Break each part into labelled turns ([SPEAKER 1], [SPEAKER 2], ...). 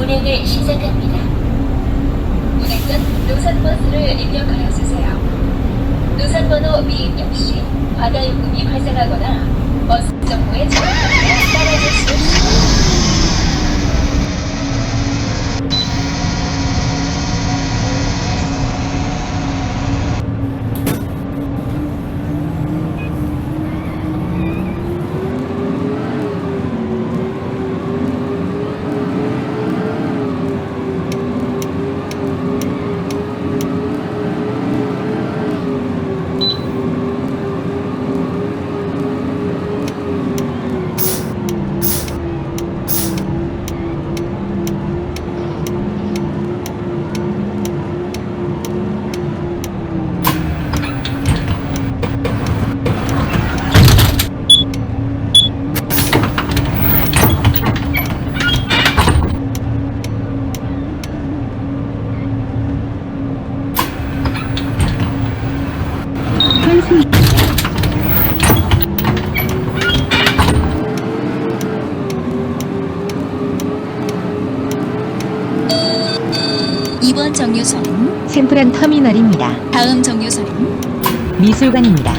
[SPEAKER 1] 운행을 시작합니다. 운행 전 노선버스를 입력하여 주세요. 노선번호 미입력 시 바다요금이 발생하거나 버스 정보에 잘못되면 따라줄 수 없습니다.
[SPEAKER 2] 이번 정류소는
[SPEAKER 3] 샘프란 터미널입니다.
[SPEAKER 2] 다음 정류소는
[SPEAKER 3] 미술관입니다.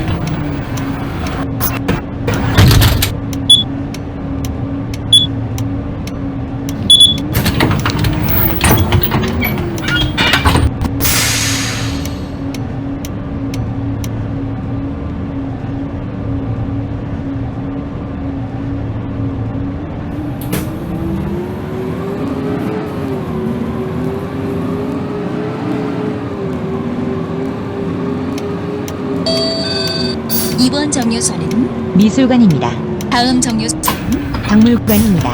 [SPEAKER 2] 이번 정류소는
[SPEAKER 3] 미술관입니다.
[SPEAKER 2] 다음 정류소는
[SPEAKER 3] 박물관입니다.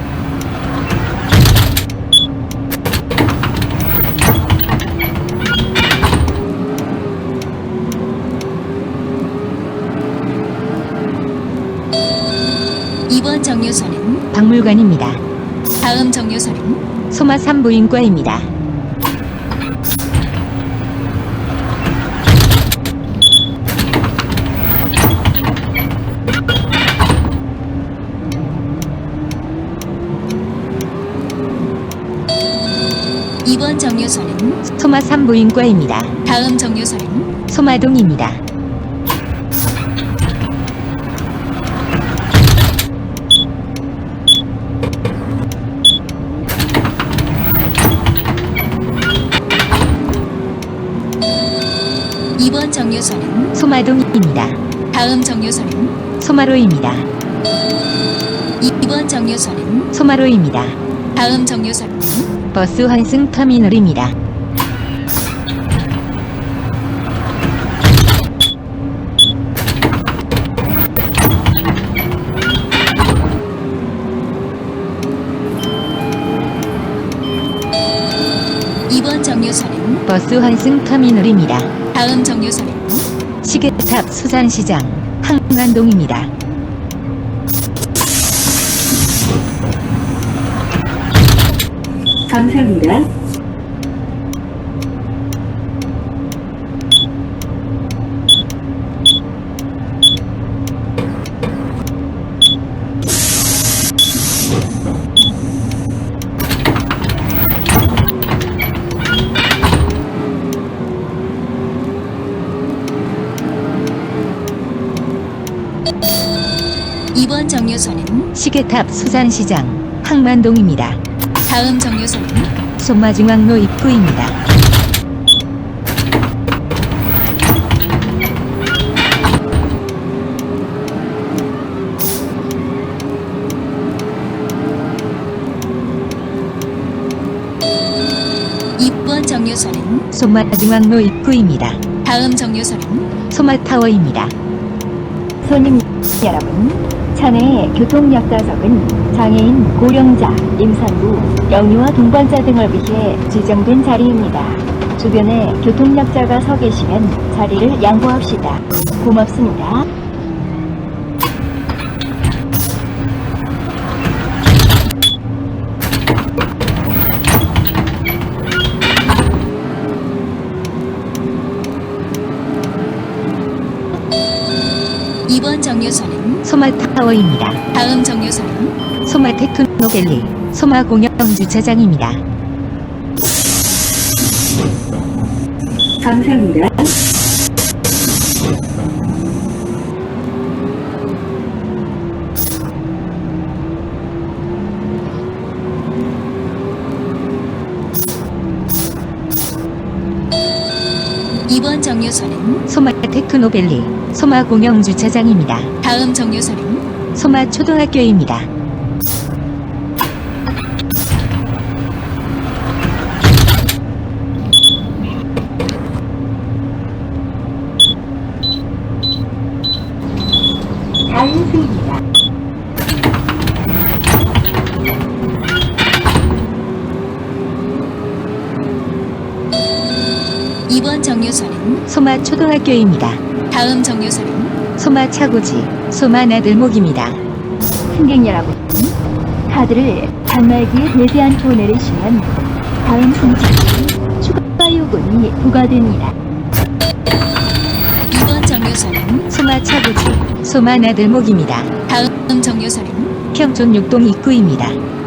[SPEAKER 2] 이번 정류소는
[SPEAKER 3] 박물관입니다.
[SPEAKER 2] 다음 정류소는
[SPEAKER 3] 소마 산부인과입니다.
[SPEAKER 2] 이번 정류소는
[SPEAKER 3] 소마 산부인과입니다.
[SPEAKER 2] 다음 정류소는
[SPEAKER 3] 소마동입니다.
[SPEAKER 2] 이번 정류소는
[SPEAKER 3] 소마동입니다.
[SPEAKER 2] 다음 정류소는
[SPEAKER 3] 소마로입니다.
[SPEAKER 2] 이번 정류소는
[SPEAKER 3] 소마로입니다.
[SPEAKER 2] 다음 정류소는
[SPEAKER 3] 버스 환승 터미널입니다.
[SPEAKER 2] 이번 정류소는
[SPEAKER 3] 버스 환승 터미널입니다.
[SPEAKER 2] 다음 정류소는
[SPEAKER 3] 시계탑 수산시장 항만동입니다.
[SPEAKER 1] 감사합니다.
[SPEAKER 2] 이번 정류소는
[SPEAKER 3] 시계탑 수산시장 항만동입니다.
[SPEAKER 2] 다음 정류소는
[SPEAKER 3] 소마중앙로 입구입니다.
[SPEAKER 2] 이번 정류소는
[SPEAKER 3] 소마중앙로 입구입니다.
[SPEAKER 2] 다음 정류소는
[SPEAKER 3] 소마타워입니다.
[SPEAKER 4] 손님 여러분, 차내의 교통약자석은 장애인, 고령자, 임산부, 영유아 동반자 등을 위해 지정된 자리입니다. 주변에 교통약자가 서 계시면 자리를 양보합시다. 고맙습니다.
[SPEAKER 2] 이번 정류소는
[SPEAKER 3] 소마타워입니다.
[SPEAKER 2] 다음 정류소는
[SPEAKER 3] 소마테크노밸리 소마공영 주차장입니다.
[SPEAKER 1] 감사합니다.
[SPEAKER 2] 2번 정류소는
[SPEAKER 3] 소마테크노밸리 소마공영 주차장입니다.
[SPEAKER 2] 다음 정류소는
[SPEAKER 3] 소마초등학교입니다.
[SPEAKER 4] 다인수입니다.
[SPEAKER 2] 이번 정류소는
[SPEAKER 3] 소마초등학교입니다.
[SPEAKER 2] 다음 정류소는
[SPEAKER 3] 소마차고지 소마나들목입니다.
[SPEAKER 4] 승객 여러분, 카드를 단말기에 대지 않고 내리시면 다음 승차는 추가 요금이 부과됩니다.
[SPEAKER 2] 2번 정류소는
[SPEAKER 3] 소마차고지 소마나들목입니다.
[SPEAKER 2] 다음 정류소는
[SPEAKER 3] 평촌 6동 입구입니다.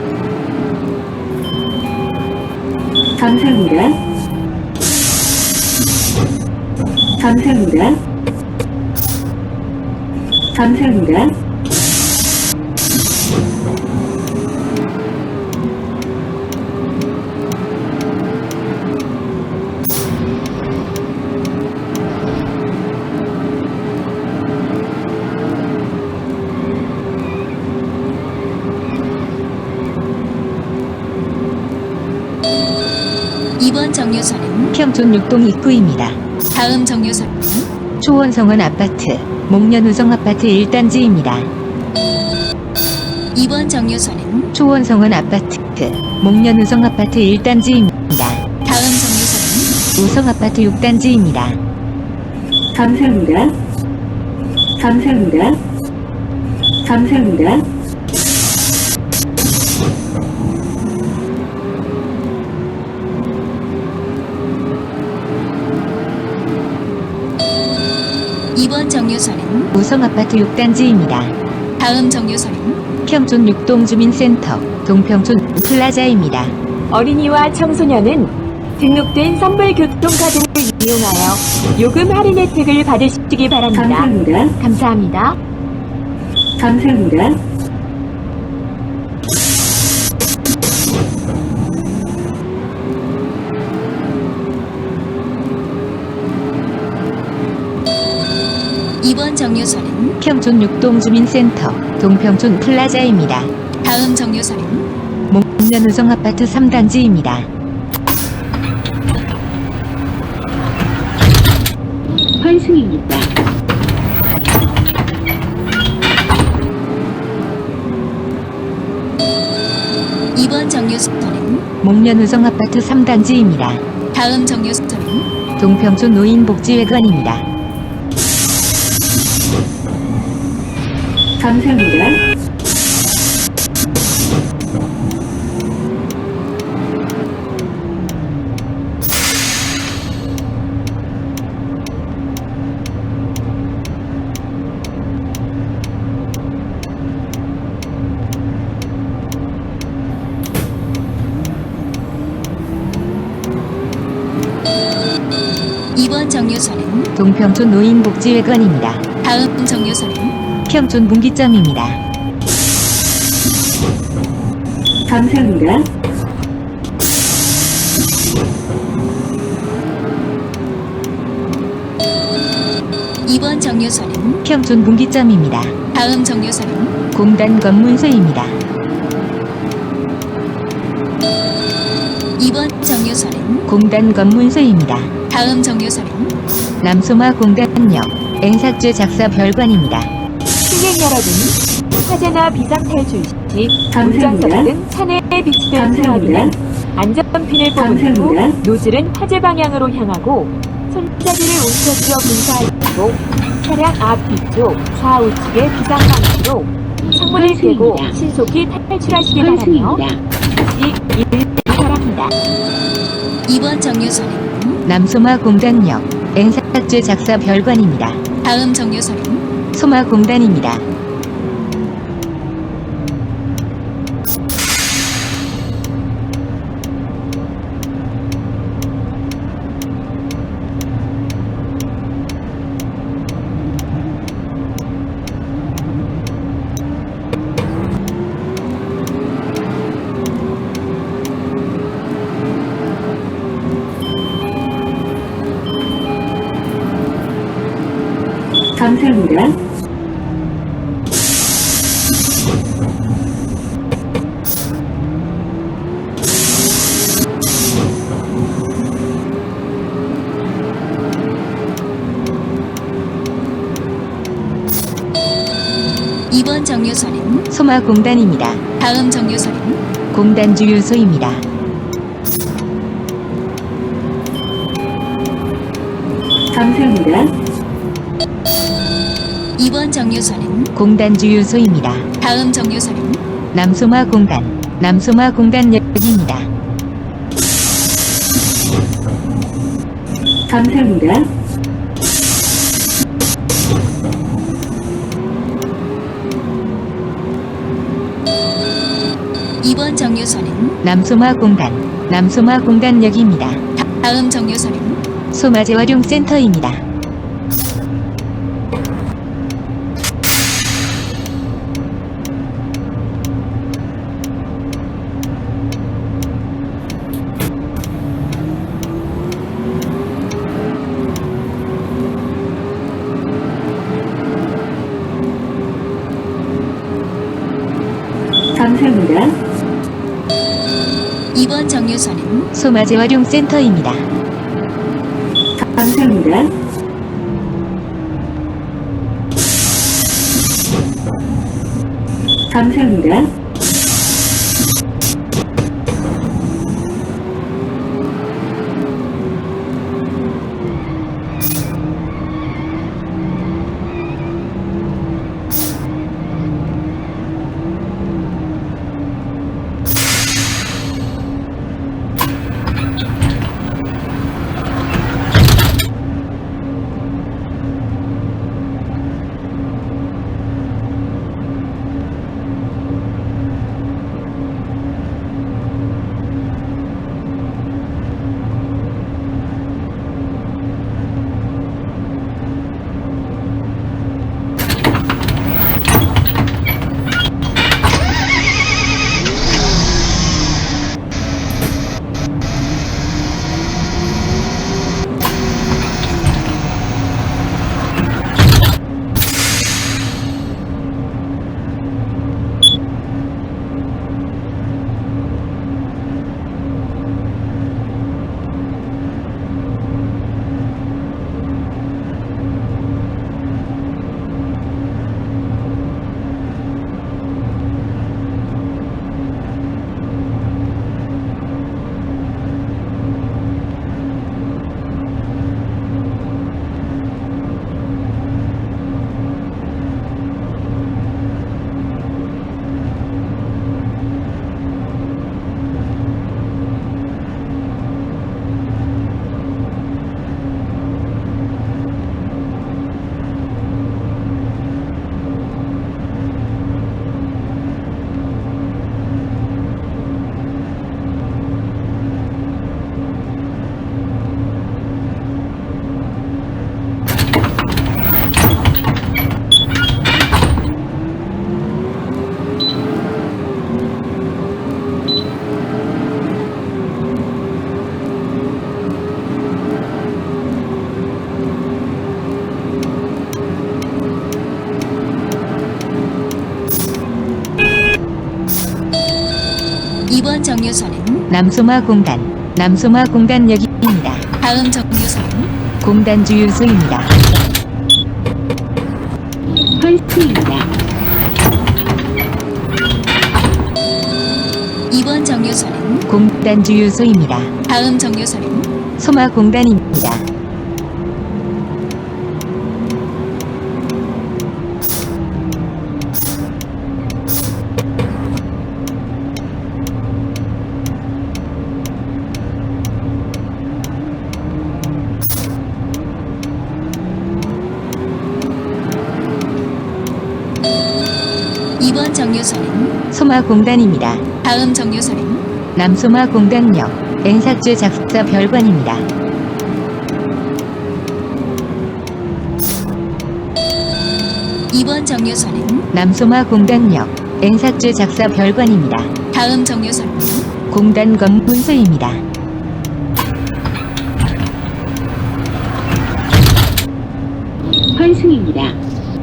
[SPEAKER 1] 감사합니다. 감사합니다. 감사합니다.
[SPEAKER 2] 이번 정류소는
[SPEAKER 3] 평촌 6동 입구입니다.
[SPEAKER 2] 다음 정류소는
[SPEAKER 3] 초원성원 아파트 목련우성 아파트 1단지입니다.
[SPEAKER 2] 2번 정류소는
[SPEAKER 3] 초원성원 아파트 목련우성 아파트 1단지입니다.
[SPEAKER 2] 다음 정류소는
[SPEAKER 3] 우성 아파트 6단지입니다.
[SPEAKER 1] 감사합니다. 감사합니다. 감사합니다.
[SPEAKER 2] 이번 정류소는
[SPEAKER 3] 우성 아파트 6단지입니다.
[SPEAKER 2] 다음 정류소는
[SPEAKER 3] 평촌 6동 주민센터 동평촌 플라자입니다.
[SPEAKER 5] 어린이와 청소년은 등록된 선불 교통카드를 이용하여 요금 할인 혜택을 받으시기 바랍니다.
[SPEAKER 1] 감사합니다.
[SPEAKER 5] 감사합니다.
[SPEAKER 1] 감사합니다.
[SPEAKER 2] 이번 정류소는
[SPEAKER 3] 평촌 6동 주민센터 동평촌 플라자입니다.
[SPEAKER 2] 다음 정류소는
[SPEAKER 3] 목련우성 아파트 3단지입니다.
[SPEAKER 4] 환승입니다.
[SPEAKER 2] 이번 정류소는
[SPEAKER 3] 목련우성 아파트 3단지입니다.
[SPEAKER 2] 다음 정류소는
[SPEAKER 3] 동평촌 노인복지회관입니다.
[SPEAKER 1] 감사합니다.
[SPEAKER 2] 이번 정류소는
[SPEAKER 3] 동평촌 노인복지회관입니다.
[SPEAKER 2] 다음 정류소는
[SPEAKER 3] 평촌 분기점입니다.
[SPEAKER 1] 감사합니다.
[SPEAKER 2] 이번 정류소는
[SPEAKER 3] 평촌 분기점입니다.
[SPEAKER 2] 다음 정류소는
[SPEAKER 3] 공단 검문소입니다.
[SPEAKER 2] 이번 정류소는
[SPEAKER 3] 공단 검문소입니다.
[SPEAKER 2] 다음 정류소는
[SPEAKER 3] 남소마 공단역 N삭제 작사 별관입니다.
[SPEAKER 5] 승객 여러분, 화재나 비상탈출 시
[SPEAKER 1] 감사합니다.
[SPEAKER 5] 운전석 등 차내에 비치된
[SPEAKER 1] 감사합니다.
[SPEAKER 5] 소화기는 안전핀을 뽑은 후
[SPEAKER 1] 감사합니다.
[SPEAKER 5] 노즐은 화재 방향으로 향하고 손잡이를 움켜쥐어 분사하시고 차량 앞 뒤쪽 좌우측의 비상방향으로 창문을 떼고 신속히 탈출하시기 바라며 다시 바랍니다.
[SPEAKER 2] 이번 정류소는
[SPEAKER 3] 남소마 공단역 N삭제 작사 별관입니다.
[SPEAKER 2] 다음 정류소는
[SPEAKER 3] 소마 공단입니다.
[SPEAKER 1] 감사합니다.
[SPEAKER 2] 2번 정류소는
[SPEAKER 3] 소마공단입니다.
[SPEAKER 2] 다음 정류소는
[SPEAKER 3] 공단 주유소입니다.
[SPEAKER 1] 감사합니다.
[SPEAKER 2] 2번 정류소는
[SPEAKER 3] 공단 주유소입니다.
[SPEAKER 2] 다음 정류소는
[SPEAKER 3] 남소마공단, 남소마공단역입니다.
[SPEAKER 1] 감사합니다.
[SPEAKER 2] 2번 정류소는
[SPEAKER 3] 남소마공단, 남소마공단역입니다.
[SPEAKER 2] 다음 정류소는
[SPEAKER 3] 소마재활용센터입니다.
[SPEAKER 1] 감사합니다.
[SPEAKER 2] 2번 정류소는
[SPEAKER 3] 소마재활용센터입니다.
[SPEAKER 1] 감사합니다. 감사합니다.
[SPEAKER 2] 이번 정류소는
[SPEAKER 3] 남소마공단, 남소마공단역입니다.
[SPEAKER 2] 다음 정류소는
[SPEAKER 3] 공단 주유소입니다.
[SPEAKER 1] 환승입니다.
[SPEAKER 2] 2번 정류소는
[SPEAKER 3] 공단 주유소입니다.
[SPEAKER 2] 다음 정류소는
[SPEAKER 3] 소마공단입니다.
[SPEAKER 2] 이번 정류소는
[SPEAKER 3] 소마공단입니다.
[SPEAKER 2] 다음 정류소는
[SPEAKER 3] 남소마공단역 N삭제 작사 별관입니다.
[SPEAKER 2] 이번 정류소는
[SPEAKER 3] 남소마공단역 N삭제 작사 별관입니다.
[SPEAKER 2] 다음 정류소는
[SPEAKER 3] 공단검 문서입니다.
[SPEAKER 1] 환승입니다. 환승입니다.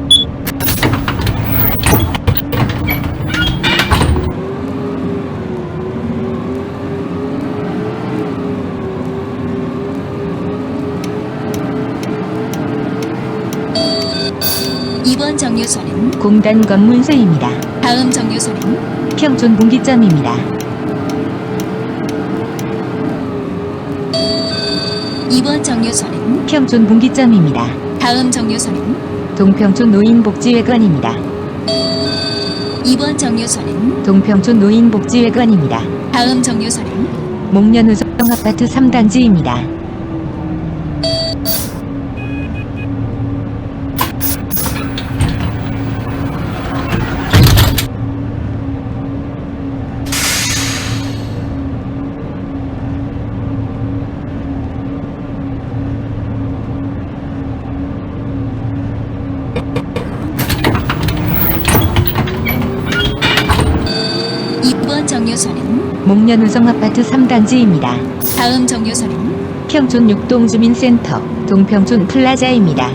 [SPEAKER 2] 2번 정류소는
[SPEAKER 3] 공단 검문소입니다.
[SPEAKER 2] 다음 정류소는
[SPEAKER 3] 평촌 분기점입니다.
[SPEAKER 2] 2번 정류소는
[SPEAKER 3] 평촌 분기점입니다.
[SPEAKER 2] 다음 정류소는
[SPEAKER 3] 동평촌 노인복지회관입니다.
[SPEAKER 2] 2번 정류소는
[SPEAKER 3] 동평촌 노인복지회관입니다.
[SPEAKER 2] 다음 정류소는
[SPEAKER 3] 목련우성 아파트 3단지입니다.
[SPEAKER 2] 정류소는
[SPEAKER 3] 목련우성 아파트 3단지입니다.
[SPEAKER 2] 다음 정류소는
[SPEAKER 3] 평촌 6동 주민센터 동평촌 플라자입니다.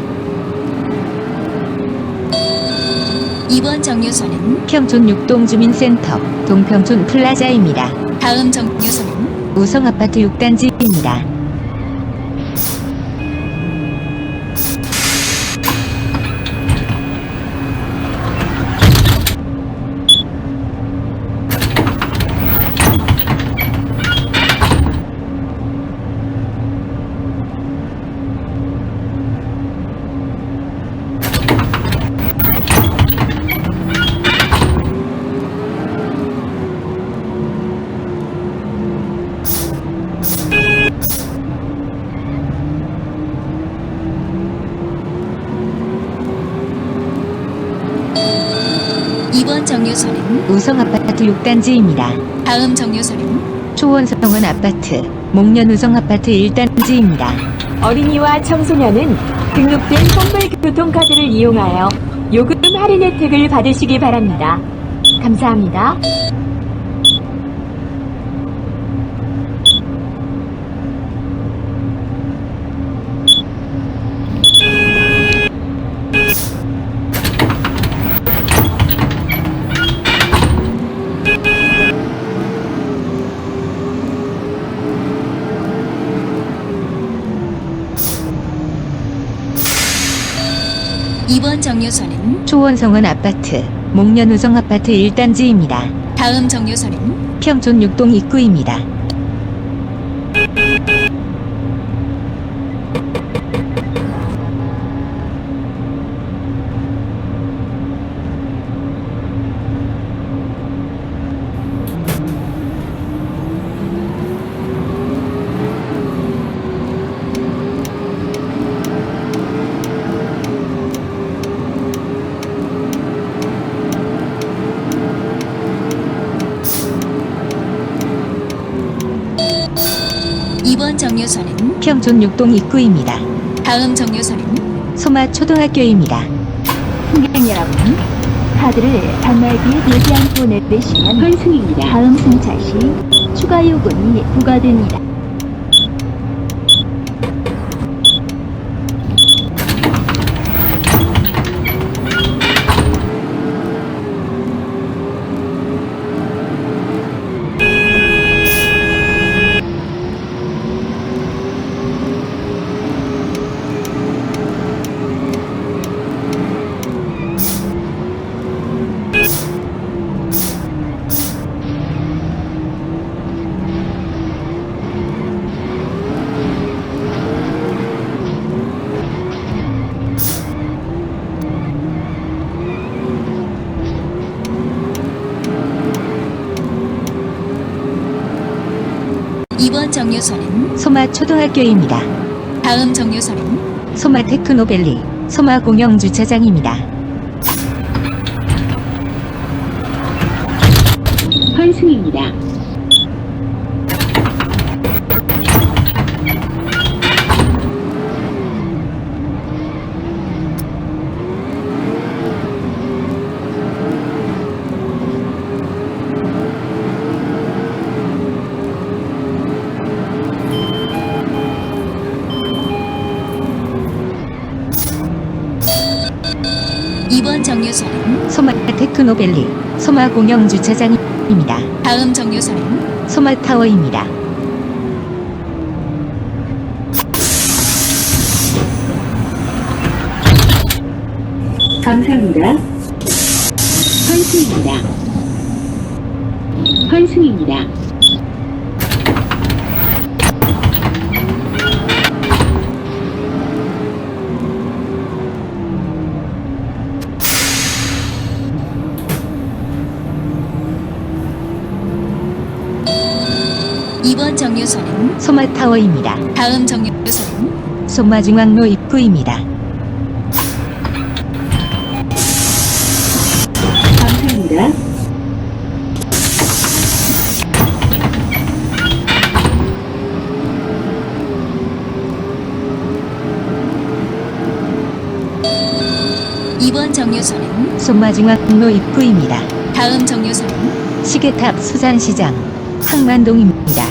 [SPEAKER 2] 2번 정류소는
[SPEAKER 3] 평촌 6동 주민센터 동평촌 플라자입니다.
[SPEAKER 2] 다음 정류소는
[SPEAKER 3] 우성 아파트 6단지입니다.
[SPEAKER 2] 이번 정류소는
[SPEAKER 3] 우성 아파트 6단지입니다.
[SPEAKER 2] 다음 정류소는
[SPEAKER 3] 초원성원 아파트 목련우성 아파트 1단지입니다.
[SPEAKER 5] 어린이와 청소년은 등록된 선불 교통카드를 이용하여 요금 할인 혜택을 받으시기 바랍니다. 감사합니다.
[SPEAKER 2] 이번 정류소는
[SPEAKER 3] 초원성원 아파트 목련우성 아파트 1단지입니다.
[SPEAKER 2] 다음 정류소는
[SPEAKER 3] 평촌 6동 입구입니다.
[SPEAKER 2] 이번 정류소는
[SPEAKER 3] 평촌 6동 입구입니다.
[SPEAKER 2] 다음 정류소는
[SPEAKER 3] 소마 초등학교입니다.
[SPEAKER 4] 승객 여러분, 카드를 단말기에 되지 않고 내시면
[SPEAKER 1] 환승입니다.
[SPEAKER 4] 다음 승차 시 추가 요금이 부과됩니다.
[SPEAKER 2] 이번 정류소는
[SPEAKER 3] 소마 초등학교입니다.
[SPEAKER 2] 다음 정류소는
[SPEAKER 3] 소마 테크노밸리 소마 공영 주차장입니다.
[SPEAKER 1] 환승입니다.
[SPEAKER 2] 정류소는
[SPEAKER 3] 소마 테크노밸리 소마 공영 주차장입니다.
[SPEAKER 2] 다음 정류소는
[SPEAKER 3] 소마 타워입니다.
[SPEAKER 1] 감사합니다. 환승입니다. 환승입니다.
[SPEAKER 2] 이번 정류소는
[SPEAKER 3] 소마 타워입니다.
[SPEAKER 2] 다음 정류소는
[SPEAKER 3] 소마 중앙로 입구입니다.
[SPEAKER 1] 감사합니다.
[SPEAKER 2] 이번 정류소는
[SPEAKER 3] 소마 중앙로 입구입니다.
[SPEAKER 2] 다음 정류소는
[SPEAKER 3] 시계탑 수산시장 항만동입니다.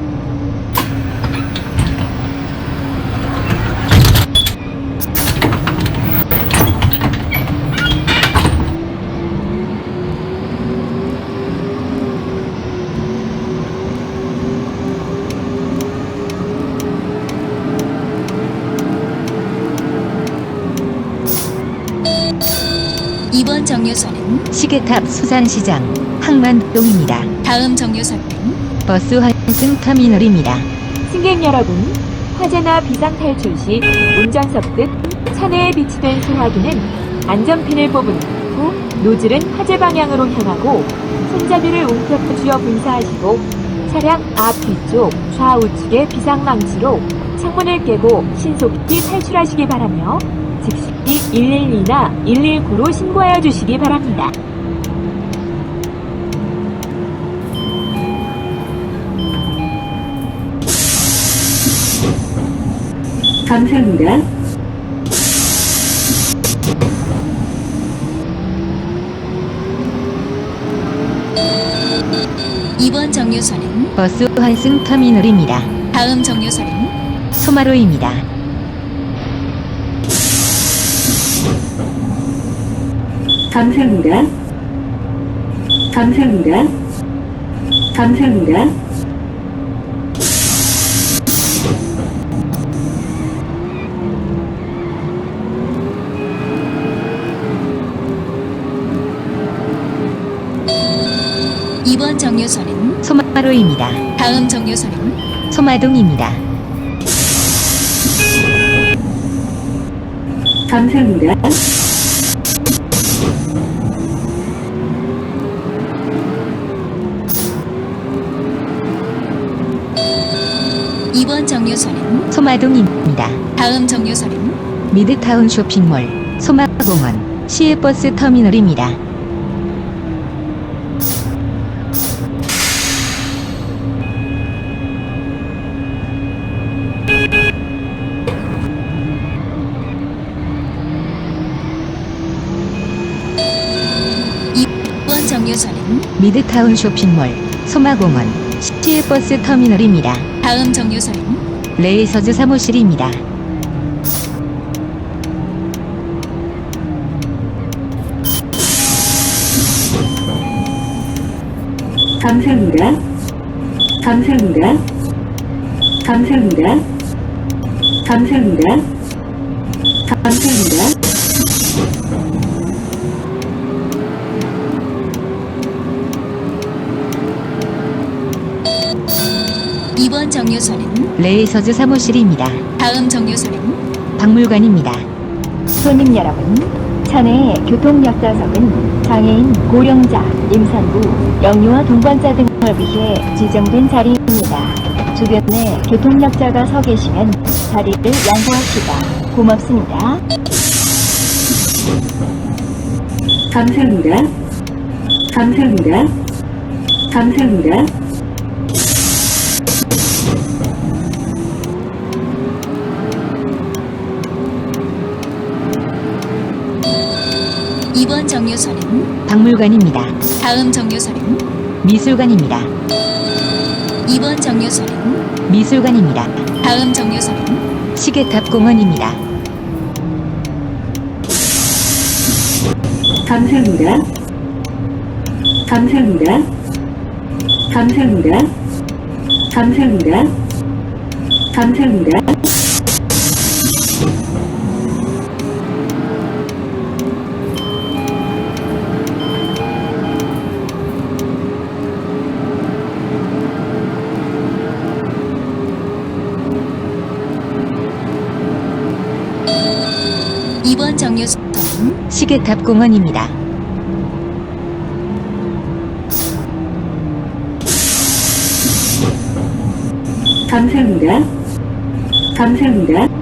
[SPEAKER 2] 이번 정류소는
[SPEAKER 3] 시계탑 수산시장 항만동입니다.
[SPEAKER 2] 다음 정류소는
[SPEAKER 3] 버스 환승 터미널입니다.
[SPEAKER 5] 승객 여러분, 화재나 비상 탈출 시 운전석 등 차내에 비치된 소화기는 안전핀을 뽑은 후 노즐은 화재 방향으로 향하고 손잡이를 움켜쥐어 분사하시고 차량 앞 뒤쪽 좌우측의 비상망치로 창문을 깨고 신속히 탈출하시기 바라며 즉시 112나 119로 신고하여 주시기 바랍니다.
[SPEAKER 1] 감사합니다.
[SPEAKER 2] 이번 정류소는
[SPEAKER 3] 버스 환승 터미널입니다.
[SPEAKER 2] 다음 정류소는
[SPEAKER 3] 소마로입니다.
[SPEAKER 1] 감사합니다. 감사합니다. 감사합니다.
[SPEAKER 2] 이번 정류소는
[SPEAKER 3] 소마로입니다.
[SPEAKER 2] 다음 정류소는
[SPEAKER 3] 소마동입니다.
[SPEAKER 1] 감사합니다.
[SPEAKER 2] 이번 정류소는
[SPEAKER 3] 소마동입니다.
[SPEAKER 2] 다음 정류소는
[SPEAKER 3] 미드타운 쇼핑몰 소마공원 시외버스 터미널입니다.
[SPEAKER 2] 이번 정류소는
[SPEAKER 3] 미드타운 쇼핑몰 소마공원 시외버스 터미널입니다.
[SPEAKER 2] 다음 정류소는
[SPEAKER 3] 레이서즈 사무실입니다.
[SPEAKER 1] 감사합니다. 감사합니다. 감사합니다. 감사합니다. 감사합니다.
[SPEAKER 2] 이번 정류소는
[SPEAKER 3] 레이서즈 사무실입니다.
[SPEAKER 2] 다음 정류소는
[SPEAKER 3] 박물관입니다.
[SPEAKER 4] 손님 여러분, 차내 교통 역사석은 장애인, 고령자, 임산부, 영유아 동반자 등을 위해 지정된 자리입니다. 주변에 교통약자가 서 계시면 자리를 양보하시다. 고맙습니다.
[SPEAKER 1] 감사합니다. 감사합니다. 감사합니다.
[SPEAKER 2] 이번 정류소는
[SPEAKER 3] 박물관입니다.
[SPEAKER 2] 다음 정류소는
[SPEAKER 3] 미술관입니다.
[SPEAKER 2] 이번 정류소는
[SPEAKER 3] 미술관입니다.
[SPEAKER 2] 다음 정류소는
[SPEAKER 3] 시계탑 공원입니다.
[SPEAKER 1] 감사합니다. 감사합니다. 감사합니다. 감사합니다. 감사합니다.
[SPEAKER 2] 이번 정류소는
[SPEAKER 3] 시계탑 공원입니다.
[SPEAKER 1] 감사합니다. 감사합니다.